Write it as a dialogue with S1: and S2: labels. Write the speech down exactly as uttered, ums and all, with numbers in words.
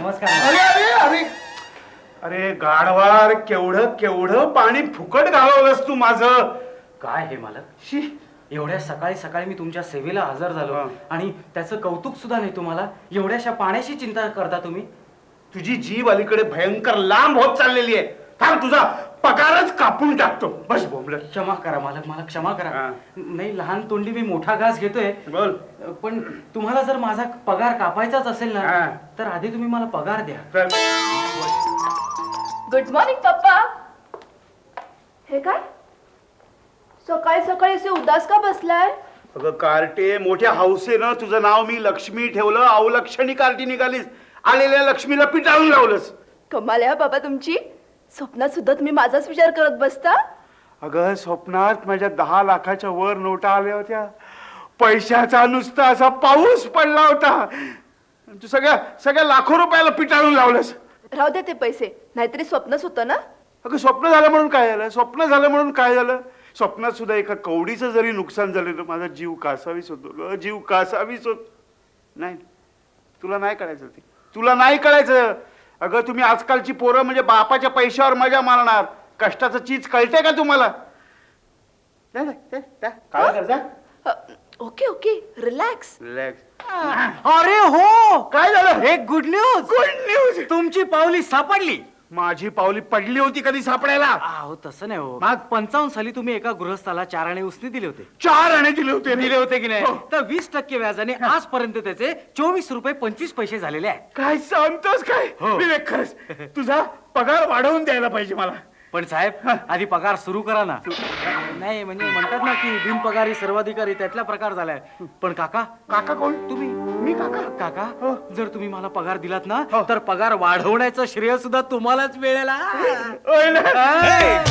S1: नमस्कार.
S2: अरे अरे अरे अरे गाढवार केवढं केवढं पाणी फुकट घालवलंस तू माझं.
S1: काय हे मालक,
S2: शी
S1: एवढ्या सकाळी सकाळी मी तुमच्या सेवेला हजर झालो
S2: हा.
S1: आणि त्याचं कौतुक सुद्धा नाही तुम्हाला. एवढ्याशा पाण्याची चिंता करता तुम्ही.
S2: तुझी जीव अलीकडे भयंकर लांब होत चाललेली आहे. थांब तुझा पगारच कापून टाकतो. बस बोंबल.
S1: क्षमा करा मालक, मला क्षमा करा.
S2: हा.
S1: नाही, लहान तोंडी मी मोठा घास घेतोय.
S2: बोल.
S1: पण तुम्हाला जर माझा पगार कापायचाच असेल
S2: हा.
S1: ना, तर आधी तुम्ही मला पगार द्या.
S2: चल.
S3: गुड मॉर्निंग पप्पा. हे काय सकाळी सकाळी असे उदास का बसलाय?
S2: अगं कार्टे, मोठ्या हौसेनं तुझं नाव मी लक्ष्मी ठेवलं. अवलक्षणी कार्टी निघालीस. आलेल्या लक्ष्मीला पिटाळून लावलंस.
S3: कमाल आहे बाबा तुमची. स्वप्नात सुद्धा तुम्ही माझाच विचार करत बसता.
S2: अगं स्वप्नात माझ्या दहा लाखाच्या वर नोटा आल्या होत्या. पैशाचा नुसता असा पाऊस पडला होता. तू सगळ्या सगळ्या लाखो रुपयाला पिटाळून लावलंस.
S3: राहू दे ते पैसे, नाहीतरी स्वप्नच होतं ना.
S2: अगं स्वप्न झालं म्हणून काय झालं? स्वप्न झालं म्हणून काय झालं? स्वप्नात सुद्धा एका कवडीचं जरी नुकसान झालं तर माझा जीव कासावीस होतो ग. जीव कासावीस होत. नाही, तुला नाही कळायचं ते. तुला नाही कळायचं. अगं तुम्ही आजकालची पोरं म्हणजे बापाच्या पैशावर मजा मारणार. कष्टाचं चीज कळते का तुम्हाला? जा, जा, जा, जा. काय कर, जा.
S3: Uh, okay okay relax.
S2: Relax.
S1: अरे हो,
S2: काय झालं?
S1: एक गुड न्यूज.
S2: Good news.
S1: तुमची पावली सापडली.
S2: माझी पावली पडली होती कधी सापडायला?
S1: अहो तसं नाही हो.
S2: मग?
S1: पंचावन्न साली तुम्ही एका गृहस्थाला चार आणे उसने दिले होते.
S2: चार आणे दिले होते.
S1: दिले होते की नाही?
S2: हो.
S1: तर वीस टक्के व्याजाने आजपर्यंत त्याचे चोवीस रुपये पंचवीस पैसे झालेले आहे.
S2: काय सांगतोस काय?
S1: हो.
S2: विवेक, खरंच तुझा पगार वाढवून द्यायला पाहिजे मला.
S1: पण साहेब, आधी पगार सुरू करा ना. नाही म्हणजे म्हणतात ना की बिनपगारी सर्वाधिकारी, त्यातला प्रकार झालाय. पण काका,
S2: काका कोण?
S1: तुम्ही
S2: मी काका?
S1: काका,
S2: हो.
S1: जर तुम्ही मला पगार दिलात ना,
S2: हो.
S1: तर पगार वाढवण्याचं श्रेय सुद्धा तुम्हालाच मिळेल. हा.
S2: होय ना?
S1: हा.